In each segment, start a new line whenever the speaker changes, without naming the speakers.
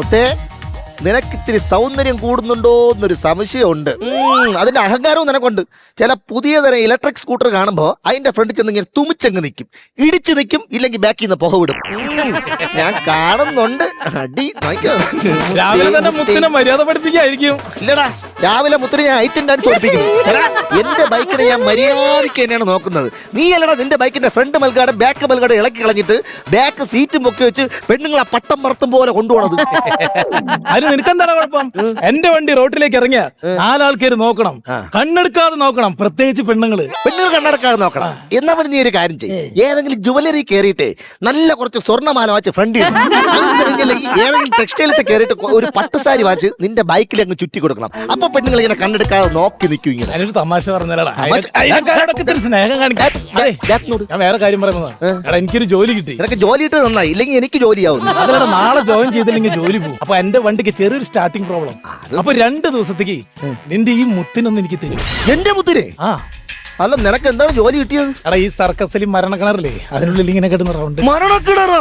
മുത്തേ, നിനക്കിത്തിരി സൗന്ദര്യം കൂടുന്നുണ്ടോ എന്നൊരു സംശയമുണ്ട്. അതിന്റെ അഹങ്കാരവും നിനക്കുണ്ട്. ചില പുതിയ തരം ഇലക്ട്രിക് സ്കൂട്ടർ കാണുമ്പോൾ അതിന്റെ ഫ്രണ്ടിൽ ചെന്ന് ഇങ്ങനെ തുമിച്ചങ്ങ് നിൽക്കും, ഇടിച്ചു നിൽക്കും, ഇല്ലെങ്കിൽ ബാക്കിൽ നിന്ന് പുക വിടും. ഞാൻ കാണുന്നുണ്ട്. അടി
രാവിലെ തന്നെ മുത്തിനെ മര്യാദ പഠിപ്പിക്കായിരിക്കും.
ഇല്ലടാ, രാവിലെ മുത്തിന് ഞാൻ ഐറ്റം ഡാൻസ് പഠിപ്പിക്കുന്നു. എന്റെ ബൈക്കിനെ ഞാൻ മര്യാദയ്ക്ക് തന്നെയാണ് നോക്കുന്നത്. നീ അല്ലടാ നിന്റെ ബൈക്കിന്റെ ഫ്രണ്ട് മൽകാട് ബാക്ക് മൽകാട് ഇളക്കി കളഞ്ഞിട്ട് ബാക്ക് സീറ്റും പൊക്കി വെച്ച് പെണ്ണുങ്ങളെ പട്ടം പറത്തും പോലെ കൊണ്ടുപോണത്.
അതിന് നിനക്കെന്താണ് കുഴപ്പം? എന്റെ വണ്ടി റോട്ടിലേക്ക് ഇറങ്ങിയ 4 ആൾക്കാർ നോക്കണം, കണ്ണെടുക്കാതെ നോക്കണം, പ്രത്യേകിച്ച് പെണ്ണുങ്ങൾ
കണ്ണെടുക്കാതെ നോക്കണം. എന്നാ പിന്നെ നീ ഒരു കാര്യം ചെയ്യും, ഏതെങ്കിലും ജുവലറി കയറിയിട്ട് നല്ല കുറച്ച് സ്വർണ്ണമാല വാച്ച് ഫ്രണ്ട് ഏതെങ്കിലും ടെക്സ്റ്റൈൽസ് കയറിയിട്ട് ഒരു പട്ടുസാരി വാച്ച് നിന്റെ ബൈക്കിൽ അങ്ങ് ചുറ്റി കൊടുക്കണം. അപ്പൊ പെണ്ണുങ്ങൾ ഇങ്ങനെ കണ്ണെടുക്കാതെ നോക്കി നിൽക്കും. ഇങ്ങനെ
ഞാനൊരു തമാശ പറഞ്ഞാലടാ, സ്നേഹം കാണിക്കാൻ. ഞാൻ വേറെ കാര്യം പറയുന്നത്, എടാ എനിക്കൊരു ജോലി കിട്ടി.
നിനക്ക് ജോലി കിട്ടുന്നത് നന്നായി, ഇല്ലെങ്കിൽ എനിക്ക് ജോലിയാവും.
അതല്ല, നാളെ ജോയിൻ ചെയ്തില്ലെങ്കിൽ ജോലി പോകും. അപ്പൊ എന്റെ വണ്ടിക്ക് ചെറിയൊരു സ്റ്റാർട്ടിംഗ് പ്രോബ്ലം. അപ്പൊ 2 ദിവസത്തേക്ക് നിന്റെ ഈ മുത്തിനൊന്നും എനിക്ക് തരും.
എന്റെ മുത്തിനെ? അല്ല, നിനക്ക് എന്താണ് ജോലി കിട്ടിയത്?
എടാ, ഈ സർക്കസിൽ മരണക്കിണറില്ലേ, അതിനുള്ളിൽ ഇങ്ങനെ കിടന്ന റൗണ്ട്.
മരണക്കിണറോ?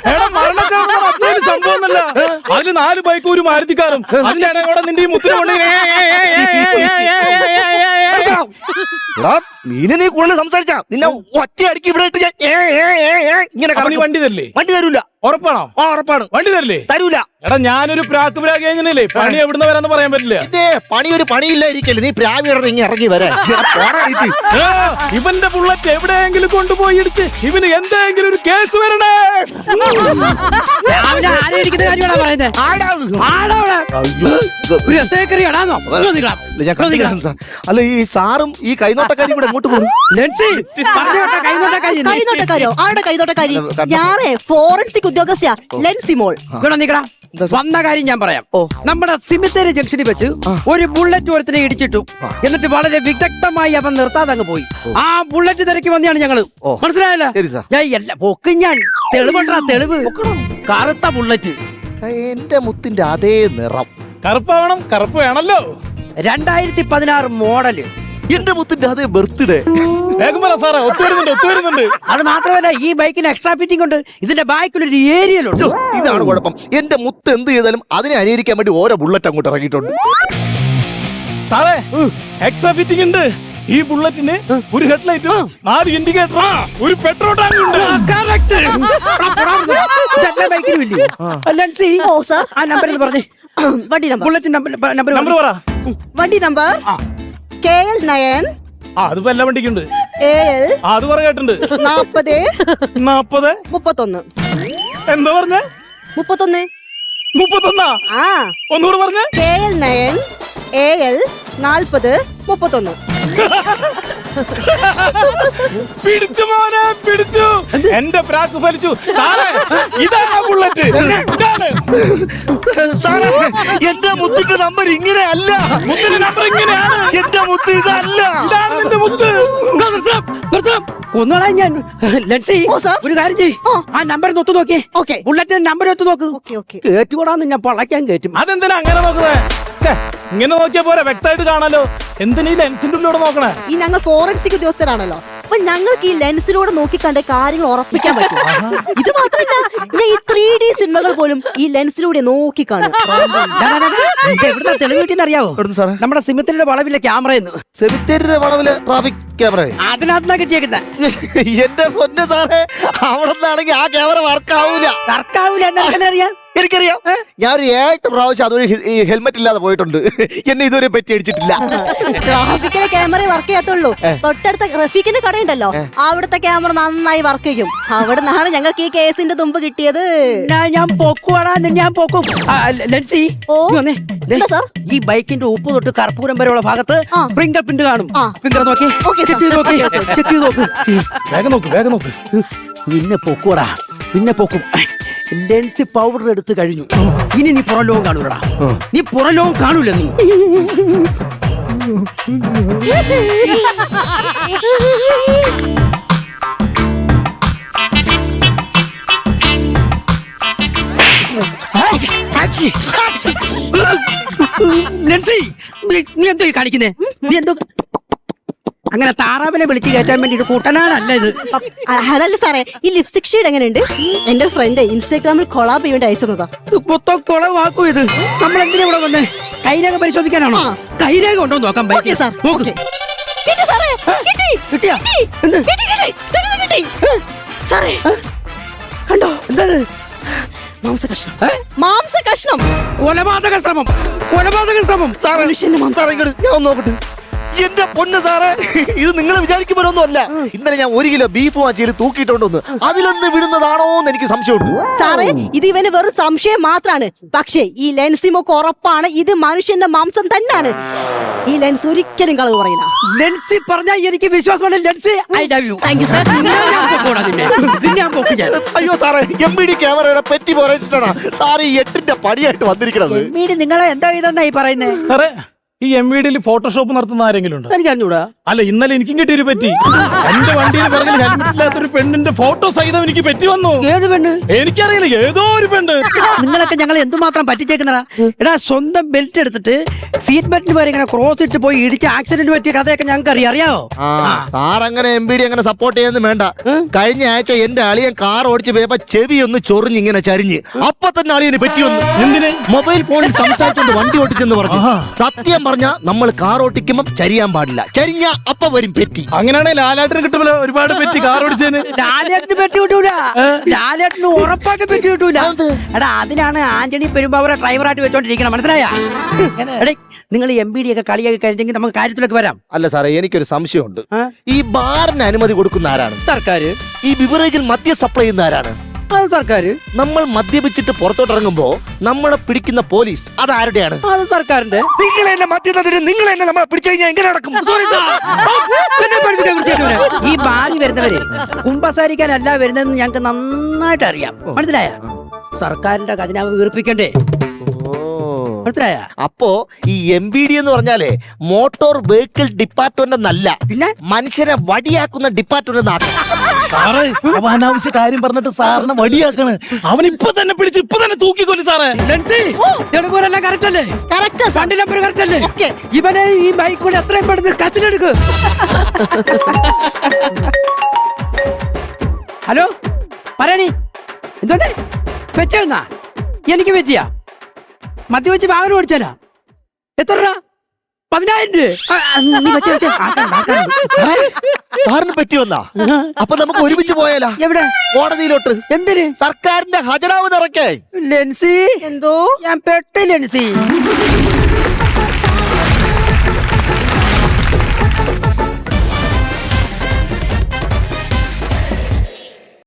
സംഭവം ഒന്നല്ല, അതില് 4 ബൈക്കും ഒരു മാരുതിക്കാരും. അതിലാണ് കൂടെ നിന്റെ ഈ മുത്തിനെ കൊണ്ട്
നീ കൂടുതൽ സംസാരിച്ചാ നിന്നെ ഒറ്റ അടിക്ക് ഇവിടെ ഇട്ട് ഇങ്ങനെ
വണ്ടി തരില്ലേ?
വണ്ടി തരൂല.
ഉറപ്പാണോ?
ഉറപ്പാണ്.
വണ്ടി തരില്ലേ?
തരൂല.
എടാ, ഞാനൊരു പ്രാക്കുപിരാഗി എങ്ങനെയല്ലേ പണി എവിടുന്ന് വരാന്ന് പറയാൻ പറ്റില്ല.
പണി ഒരു പണിയില്ലായിരിക്കല്ലേ, നീ പ്രാവിയുടെ ഇങ്ങനെ ഇറങ്ങി വരാൻ.
ഇവന്റെ ബുള്ളറ്റ് എവിടെയെങ്കിലും കൊണ്ടുപോയി ഇടിച്ച് ഇവന് എന്തെങ്കിലും ഒരു കേസ് വരണേ.
അല്ല, ഈ സാറും ഈ കൈനോട്ടക്കാരും കൂടെ എങ്ങോട്ട് പോകും?
കൈനോട്ടക്കാരോ? ആരുടെ കൈനോട്ടക്കാരി? ഞാനേ ഫോറൻസിക് ഉദ്യോഗസ്ഥ ലെൻസിമോൾ.
വന്ന കാര്യം ഞാൻ പറയാം. നമ്മുടെ സിമിത്തേരി ജംഗ്ഷനിൽ വെച്ച് ഒരു ബുള്ളറ്റ് ഒരുത്തിനെ ഇടിച്ചിട്ടു. എന്നിട്ട് വളരെ വിദഗ്ധമായി അവൻ നിർത്താതെ അങ്ങ് പോയി. ആ ബുള്ളറ്റ് തിരക്കി വന്നെയാണ് ഞങ്ങള്. മനസ്സിലായല്ലോ? ഞാൻ പൊക്കും. ഞാൻ തെളിവുണ്ടാ, തെളിവ്. കറുത്ത ബുള്ളറ്റ്,
എന്റെ മുത്തിന്റെ അതേ നിറം.
കറുപ്പാവണം, കറുപ്പ് വേണല്ലോ.
2016 മോഡല്.
എന്റെ മുത്തിന്റെ അതേ ബർത്ത്ഡേ.
വേഗം പറ സാറേ, ഒത്തുവരുന്നുണ്ട്.
അത് മാത്രമല്ല, ഈ ബൈക്കിന് എക്സ്ട്രാ ഫിറ്റിംഗ് ഉണ്ട്. ഇതിന്റെ ബാക്കിലൊരു ഏരിയയിലുണ്ട്.
ഇതാണ് കുഴപ്പം. എന്റെ മുത്ത് എന്ത് ചെയ്താലും അതിനെ അനുകരിക്കാൻ വേണ്ടി ഓരോ ബുള്ളറ്റ് അങ്ങോട്ട് ഇറങ്ങിയിട്ടുണ്ട്.
സാറേ, എക്സ്ട്രാ ഫിറ്റിംഗ് ഉണ്ട്. ഈ ബുള്ളറ്റിന് ഒരു ഹെഡ്ലൈറ്റും 4 ഇൻഡിക്കേറ്ററും ഒരു പെട്രോൾ ടാങ്ക് ഉണ്ട്.
ആ നമ്പർ പറഞ്ഞേ.
വണ്ടി നമ്പർ,
ബുള്ളറ്റ് നമ്പർ പറ.
വണ്ടി നമ്പർ KL9.
അതിപ്പോ എല്ലാ വണ്ടിക്കുണ്ട്.
AL
അത് പറ കേട്ടുണ്ട്.
40 31.
എന്താ പറഞ്ഞ?
31.
31. ഒന്നുകൂടെ പറഞ്ഞ.
KL9 AL 40 31.
പിടിച്ചു മോനെ, പിടിച്ചു. എന്റെ പ്രാക്ക് ഫലിച്ചു. സാറേ, ഇതാണ് ബുള്ളറ്റ്.
സാറേ, എന്റെ മുത്തിന്റെ നമ്പർ ഇങ്ങനെ അല്ല.
മുത്തിന്റെ നമ്പർ ഇങ്ങനെയാണ്.
എന്റെ മുത്ത് ഇതല്ല.
ഇതാണ് നിന്റെ മുത്ത്.
ഒന്നോളാ ഞാൻ. ഒരു കാര്യം ചെയ്യ്, ആ നമ്പർ ഒത്തു നോക്കിയേ. ബുള്ളറ്റിന്റെ നമ്പർ ഒത്തു നോക്ക്. കേറ്റുകൂടാന്ന് ഞാൻ പളക്കാൻ കേറ്റും.
അതെന്തിനാ അങ്ങനെ നോക്കുന്നത്? ഇങ്ങനെ നോക്കിയാ പോരാ, വ്യക്തമായിട്ട് കാണാലോ. എന്തിനാ ഈ ലെൻസിന്റെ ഉള്ളിലൂടെ നോക്കണേ?
ഈ ഞങ്ങൾ ഫോറൻസിക് ഉദ്യോഗസ്ഥരാണല്ലോ, അപ്പൊ ഞങ്ങൾക്ക് ഈ ലെൻസിലൂടെ നോക്കിക്കണ്ട കാര്യങ്ങൾ ഉറപ്പിക്കാൻ പറ്റും. ഇത് മാത്രമല്ല, ഞാൻ ഈ 3D സിനിമകൾ പോലും ഈ ലെൻസിലൂടെ നോക്കി കാണും.
എവിടുന്ന തെളിവ് കിട്ടിയെന്ന് അറിയാവോ? നമ്മുടെ സിമിത്തേരിയുടെ വളവിലെ ക്യാമറയെന്ന്.
സെമിത്തേരിയുടെ വളവില് ട്രാഫിക് ക്യാമറ
അതിനകത്തുനിന്നാ കിട്ടിയേക്കുന്ന.
എന്റെ പൊന്ന് സാറേ, അവിടെ നിന്നാണെങ്കിൽ ആ ക്യാമറ വർക്കാവൂല.
എന്നറിയാം.
എനിക്കറിയാം. ഞാൻ ഒരു 8 പ്രാവശ്യം അതൊരു ഹെൽമെറ്റ് ഇല്ലാതെ പോയിട്ടുണ്ട്. എന്നെ ഇതുവരെ പറ്റി അടിച്ചിട്ടില്ല.
ട്രാഫിക്കിലെ ക്യാമറ വർക്ക് ചെയ്യാത്തുള്ളൂ. തൊട്ടടുത്ത റഫീഖിന്റെ കടയുണ്ടല്ലോ, അവിടുത്തെ ക്യാമറ നന്നായി വർക്ക് ചെയ്യും. അവിടെ നിന്നാണ് ഞങ്ങൾക്ക് ഈ കേസിന്റെ തുമ്പ് കിട്ടിയത്.
ഞാൻ പൊക്കുവാടാ, ഞാൻ പൊക്കും. ലെൻസി, ഈ ബൈക്കിന്റെ ഉപ്പ് തൊട്ട് കർപ്പൂരം വരെയുള്ള ഭാഗത്ത് ഫിംഗർ പ്രിന്റ് കാണും. ഫിംഗർ നോക്കി ചെക്ക് ചെയ്ത് നോക്ക്.
വേഗം നോക്ക്.
പിന്നെ പൊക്കുവാടാ, പിന്നെ പൊക്കും. ലെൻസ് പൗഡർ എടുത്ത് കഴിഞ്ഞു. ഇനി നീ പുറം ലോകം കാണൂലടാ. നീ പുറം ലോകം കാണൂല. നീ ലെൻസി, നീ എന്തോ കാണിക്കുന്നേ? നീ എന്തോ അങ്ങനെ താറാവിനെ വിളിച്ച് കയറ്റാൻ വേണ്ടി ഇത് കൂട്ടനാണല്ല ഇത്.
അതല്ല സാറേ, ഈ ലിപ്സ്റ്റിക് ഷെയ്ഡ് എങ്ങനെയുണ്ട്? എന്റെ ഫ്രണ്ട് ഇൻസ്റ്റാഗ്രാമിൽ കൊളാബ് ചെയ്യേണ്ടി അയച്ചതാ.
ഇത് മൊത്തം കുളവാക്കും ഇത്. നമ്മൾ എന്തിനാ ഇവിടെ വന്നേ? കൈരേഖ പരിശോധിക്കാനാണോ? കൈരേഖ ഉണ്ടോ നോക്കാൻ
ഓക്കേ
പറ്റും
സാർ,
നോക്ക്.
ഓക്കേ. കിട്ടി സാറേ, കിട്ടി.
കിട്ടിയാ?
കിട്ടി.
എന്ത്?
കിട്ടി, കിട്ടി. തെളിവ് കിട്ടി. സാറേ, കണ്ടോ?
എന്താ ഇത്?
മാംസ കഷ്ണം.
ഏ?
മാംസ കഷ്ണം.
കൊലപാതക ശ്രമം, കൊലപാതക ശ്രമം.
സാറേ സാറേ ഇങ്ങോട്ട് ഞാൻ ഒന്ന് നോക്കട്ടെ. എന്റെ പൊന്ന് സാറേ, ഇത് നിങ്ങൾ വിചാരിക്കുമ്പോഴൊന്നും അല്ല. ഇന്നലെ ഞാൻ 1 കിലോ ബീഫ് വാങ്ങിയിൽ തൂക്കിയിട്ടുണ്ടോന്ന് അതിലൊന്ന് വിടുന്നതാണോ എന്ന് എനിക്ക് സംശയമുണ്ട്.
സാറേ, ഇത് ഇവന് വെറും സംശയം മാത്രാണ്. പക്ഷേ ഈ ലെൻസിമൊക്കെ ഉറപ്പാണ് ഇത് മനുഷ്യന്റെ മാംസം തന്നെയാണ്. ഈ ലെൻസ് ഒരിക്കലും കളവ് പറയില്ല.
ലെൻസി പറഞ്ഞാൽ എനിക്ക് വിശ്വാസമാണ്. Lency, I love you.
Thank you sir.
ഞാൻ പോക്കും ഞാൻ.
അയ്യോ സാറേ, MBD ക്യാമറയുടെ പെറ്റി പോരായിട്ടാണ് സാറ് ഈ 8ന്റെ പടിയായിട്ട് വന്നിരിക്കണത്.
വീട് നിങ്ങളെ എന്താ ഇതെന്നായി പറയുന്നേ?
സാറേ ഈ MVDയിൽ ഫോട്ടോഷോപ്പ് നടത്തുന്ന ആരെങ്കിലും ഉണ്ടോ?
എനിക്ക് അറിഞ്ഞൂടാ.
അല്ല, ഇന്നലെ എനിക്കും കിട്ടിയൊരു പറ്റി. എന്റെ വണ്ടിയിൽ പിറകിൽ ഹെൽമെറ്റ് ഇല്ലാത്തൊരു പെണ്ണിന്റെ ഫോട്ടോ സഹിതം എനിക്ക് പറ്റി വന്നു.
ഏത് പെണ്ണ്?
എനിക്കറിയില്ല, ഏതോ ഒരു പെണ്ണ്.
നിങ്ങളൊക്കെ ഞങ്ങൾ എന്തുമാത്രം പറ്റിച്ചേക്കുന്നടാ. എടാ, സ്വന്തം ബെൽറ്റ് എടുത്തിട്ട് സീറ്റ് ബെൽറ്റിന് പേര് ഇങ്ങനെ ക്രോസ് ഇട്ട് പോയി ഇടിച്ച് ആക്സിഡന്റ് പറ്റിയ കഥയൊക്കെ ഞങ്ങൾക്ക് അറിയാവോ?
സാർ അങ്ങനെ MBD അങ്ങനെ സപ്പോർട്ട് ചെയ്യുന്നു വേണ്ട. കഴിഞ്ഞ ആഴ്ച എന്റെ അളിയൻ കാർ ഓടിച്ച് പോയപ്പോ ചെവി ഒന്ന് ചൊറിഞ്ഞ് ഇങ്ങനെ ചരിഞ്ഞ് അപ്പൊ തന്നെ അളിയന് പറ്റി വന്നു.
എന്തിന്?
മൊബൈൽ ഫോണിൽ സംസാരിച്ചുകൊണ്ട് വണ്ടി ഓടിച്ചെന്ന് പറഞ്ഞു. സത്യം പറഞ്ഞ നമ്മൾ കാർ ഓടിക്കുമ്പോ ചരിയാൻ പാടില്ല. ചരിഞ്ഞ അപ്പൊ വരും പെറ്റി.
അങ്ങനെയാണെങ്കിൽ ലാലാട്ടിന് കിട്ടുമല്ലോ ഒരുപാട് പെറ്റി കാർ ഓടിച്ചതിന്.
ലാലേട്ടന് പെട്ടി കിട്ടൂല. ലാലേട്ടന് ഉറപ്പായിട്ട് പെട്ടി കിട്ടൂല. എടാ, അതിനാണ് ആന്റണി പെരുമ്പാവൂരെ ഡ്രൈവറായിട്ട് വെച്ചോണ്ടിരിക്കണം. മനസ്സിലായ? എടേ, നിങ്ങൾ MBD ഒക്കെ കളിയാക്കി കഴിഞ്ഞെങ്കിൽ നമുക്ക് കാര്യത്തിലേക്ക് വരാം.
അല്ല സാറേ, എനിക്കൊരു സംശയമുണ്ട്. ഈ ബാറിന് അനുമതി കൊടുക്കുന്ന ആരാണ്?
സർക്കാർ.
ഈ ബിവറേജിൽ മദ്യം സപ്ലൈ ചെയ്യുന്ന ആരാണ്?
അത് സർക്കാർ.
നമ്മൾ മദ്യപിച്ചിട്ട് പുറത്തോട്ട് ഇറങ്ങുമ്പോ നമ്മളെ പിടിക്കുന്ന പോലീസ് അതാരുടെയാണ്?
അത് സർക്കാരിന്റെ.
നിങ്ങൾ എന്നെ മദ്യത്തിന് നിങ്ങൾ എന്നെ നമ്മളെ പിടിച്ചു കഴിഞ്ഞാൽ എങ്ങനെ നടക്കും?
Sorry, sir. എന്നെ പഠിപ്പിക്കാൻ വൃത്തിയായിട്ട് വരാം. ഈ ബാറി വരുന്നവര് കുമ്പസാരിക്കാനല്ല വരുന്നതെന്ന് ഞങ്ങൾക്ക് നന്നായിട്ട് അറിയാം. മനസ്സിലായ? സർക്കാരിന്റെ ഖജനാവ് വീർപ്പിക്കണ്ടേ? മനസ്സിലായ?
അപ്പോ ഈ MBD എന്ന് പറഞ്ഞാലേ മോട്ടോർ വെഹിക്കിൾ ഡിപ്പാർട്ട്മെന്റ് എന്നല്ല,
പിന്നെ
മനുഷ്യനെ വടിയാക്കുന്ന ഡിപ്പാർട്ട്മെന്റ് എന്നാക്കും.
സാറേ, അവൻ അനാവശ്യ കാര്യം പറഞ്ഞിട്ട് സാറിനെ വടിയാക്കാണ്. അവൻ ഇപ്പൊ തന്നെ പിടിച്ച് ഇപ്പൊ തന്നെ തൂക്കിക്കൊല്ലു സാറേ.
തെളിവുകളെല്ലാം കറക്റ്റ് അല്ലേ?
Correct sir.
വണ്ടി നമ്പർ കറക്റ്റ് അല്ലേ?
ഓക്കേ.
ഇവനെ ഈ ബൈക്ക് കൊണ്ട് എത്രയും പെടുത്ത് കസ്റ്റഡി എടുക്ക്. ഹലോ, പറയണി. എന്തോന്നെ വെച്ചാ? എനിക്ക് പറ്റിയാ? മദ്യവെച്ച് വാഹനം ഓടിച്ചാനാ? എത്ര രൂപ? 10,000 രൂപ.
സാറിന് പറ്റി വന്നാ? അപ്പൊ നമുക്ക് ഒരുമിച്ച് പോയാലാ?
എവിടെ?
കോടതിയിലോട്ട്.
എന്തിന്?
സർക്കാരിന്റെ ഖജനാവ് നിറയ്ക്കേ.
ലെൻസി,
എന്തോ
ഞാൻ പെട്ട ലെൻസി.